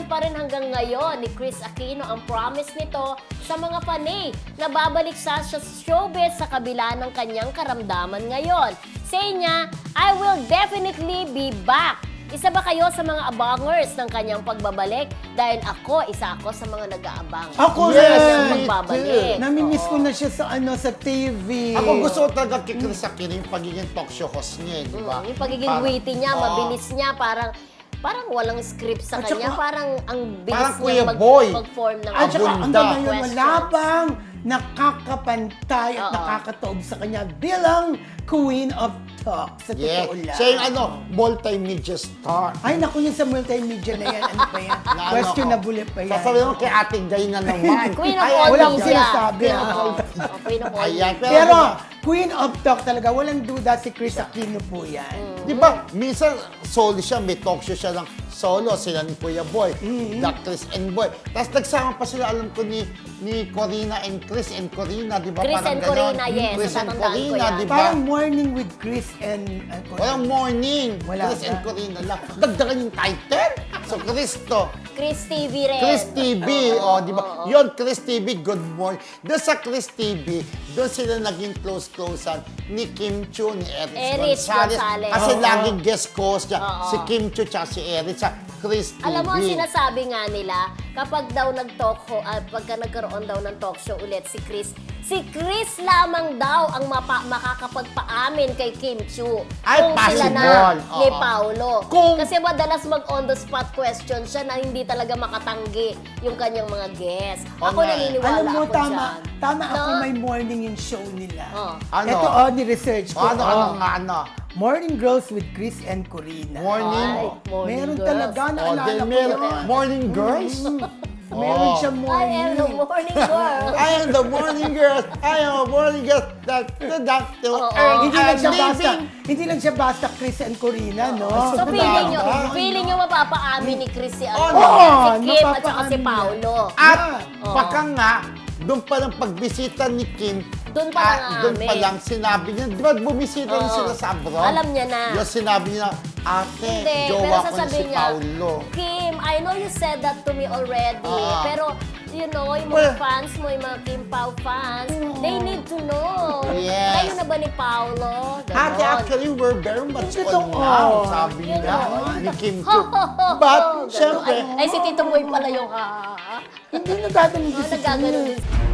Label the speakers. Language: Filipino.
Speaker 1: pa rin hanggang ngayon ni Kris Aquino ang promise nito sa mga fanay na babalik sa showbiz sa kabila ng kanyang karamdaman ngayon. Say niya, I will definitely be back. Isa ba kayo sa mga abangers ng kanyang pagbabalik? Dahil isa ako sa mga nag-aabang.
Speaker 2: Ako
Speaker 1: sa
Speaker 2: rin.
Speaker 1: kanyang pagbabalik.
Speaker 2: Namimiss ko na siya sa TV.
Speaker 3: Ako gusto ko talaga kay Kris Aquino yung pagiging talk show host niya, di ba?
Speaker 1: Yung pagiging witty niya, mabilis niya, parang walang script sa
Speaker 2: At
Speaker 1: kanya.
Speaker 2: saka,
Speaker 1: Parang ang bilis
Speaker 3: parang
Speaker 1: niya
Speaker 3: Kuya Boy.
Speaker 1: mag-form ng
Speaker 2: At saka
Speaker 3: Abunda.
Speaker 2: hanggang ngayon, wala
Speaker 1: questions.
Speaker 2: bang nakakapantay at nakakataob sa kanya bilang Queen of Talk. Sa
Speaker 3: Yeah.
Speaker 2: totoo lang.
Speaker 3: Siya yung multimedia star.
Speaker 2: Ay, naku yun sa multimedia na yan. Ano pa yan?
Speaker 3: Na
Speaker 2: Questionable pa yan.
Speaker 3: Sasabihin mo kay Ate Gay na naman.
Speaker 1: Queen of
Speaker 3: Ay,
Speaker 1: all
Speaker 2: wala akong
Speaker 1: media.
Speaker 2: sinasabi,
Speaker 1: Queen of
Speaker 2: ah.
Speaker 1: all. Queen of all
Speaker 3: Ayan,
Speaker 1: media.
Speaker 2: Pero,
Speaker 3: diba,
Speaker 2: Queen of Talk talaga, walang duda si Kris Aquino po yan.
Speaker 3: di ba, minsan solo siya, may talk show siya ng solo, sila ni Kuya Boy, the Chris and Boy. Tapos nagsama pa sila, alam ko, ni Corina and Chris and Corina, di ba?
Speaker 1: Chris
Speaker 3: Parang
Speaker 1: and
Speaker 3: ganon.
Speaker 1: Corina, yes,
Speaker 3: Chris and
Speaker 1: natatandaan ko
Speaker 3: Corina,
Speaker 1: yan.
Speaker 3: di ba?
Speaker 2: Parang morning with Chris and Corina.
Speaker 3: Walang morning.
Speaker 2: Wala
Speaker 3: Chris and
Speaker 2: ba?
Speaker 3: Corina lang. Dagdagan yung title. So, Chris to.
Speaker 1: Chris TV rin.
Speaker 3: Chris TV, di ba? Yun, Chris TV, good morning. Doon sa Chris TV, doon sila naging close-closean ni Kim Chiu, ni Erich Gonzalez.
Speaker 1: Gonzalez.
Speaker 3: Kasi
Speaker 2: Oo.
Speaker 3: laging guest host niya.
Speaker 1: Oo.
Speaker 3: Si Kim Chiu tsaka si Erich sa Chris TV.
Speaker 1: Alam mo, ang sinasabi nga nila, kapag daw pagka nagkaroon daw ng talk show ulit si Chris lamang daw ang makakapagpaamin kay Kim Chiu.
Speaker 3: Ay,
Speaker 1: kung sila na
Speaker 3: possible.
Speaker 1: ni
Speaker 3: Oo.
Speaker 1: Paulo.
Speaker 3: Kung-
Speaker 1: Kasi madalas mag-on-the-spot question siya na hindi talaga makatanggi yung kanyang mga guests.
Speaker 3: Oo
Speaker 1: Ako
Speaker 3: nga eh.
Speaker 1: naniniwala
Speaker 2: Alam mo,
Speaker 1: ako
Speaker 2: tama
Speaker 1: dyan.
Speaker 2: ako
Speaker 1: No?
Speaker 2: may morning yung show nila.
Speaker 1: Oh.
Speaker 3: Ano?
Speaker 2: Ito, ni-research ko.
Speaker 3: Ano?
Speaker 2: Morning Girls with Chris and Corina.
Speaker 3: Morning.
Speaker 1: Ay, morning
Speaker 2: Meron
Speaker 1: girls.
Speaker 2: talaga,
Speaker 3: Oh,
Speaker 2: naalala
Speaker 3: then
Speaker 2: ko
Speaker 3: meron,
Speaker 2: yun.
Speaker 3: morning girls.
Speaker 2: Meron siya
Speaker 1: I am
Speaker 2: morning.
Speaker 1: the morning girl.
Speaker 3: I am the morning girl. I am a morning girl.
Speaker 2: Hindi lang siya basta Chris and Corina, no?
Speaker 1: So
Speaker 3: Tama.
Speaker 1: feeling nyo mapapaamin ni Chris si,
Speaker 2: Oo,
Speaker 1: si Kim at saka si
Speaker 2: mapapaamin
Speaker 1: Paulo.
Speaker 3: At
Speaker 1: Oo.
Speaker 3: baka nga, doon pa lang pagbisita ni Kim,
Speaker 1: Doon pa lang
Speaker 3: doon pa
Speaker 1: aamin.
Speaker 3: lang sinabi niya, di ba bumisita rin
Speaker 1: Oo.
Speaker 3: sila sa abroad?
Speaker 1: Alam niya na.
Speaker 3: Yung sinabi niya, ate,
Speaker 1: Hindi, pero
Speaker 3: jowa ko na si
Speaker 1: sasabihin niya,
Speaker 3: Paulo.
Speaker 1: Kim, I know you said that to me already,
Speaker 3: Ah.
Speaker 1: pero you know, yung
Speaker 3: Well,
Speaker 1: mga fans mo, yung mga Kim Pao fans, they need to know.
Speaker 3: Yes.
Speaker 1: Kayo na ba ni Paulo?
Speaker 3: Ate,
Speaker 1: Ganon.
Speaker 3: actually, we're very much
Speaker 2: Hindi
Speaker 3: on
Speaker 2: totoo.
Speaker 3: now, sabi
Speaker 1: You
Speaker 3: niya,
Speaker 1: know.
Speaker 3: ni Kim
Speaker 1: Ho,
Speaker 3: Chiu.
Speaker 1: ho, ho,
Speaker 3: But,
Speaker 1: ho, ganon.
Speaker 3: syempre,
Speaker 1: Ay, si Tito Boy pala yung
Speaker 2: Hindi nagagaling din si
Speaker 1: nagaganon
Speaker 2: Chris.
Speaker 1: din.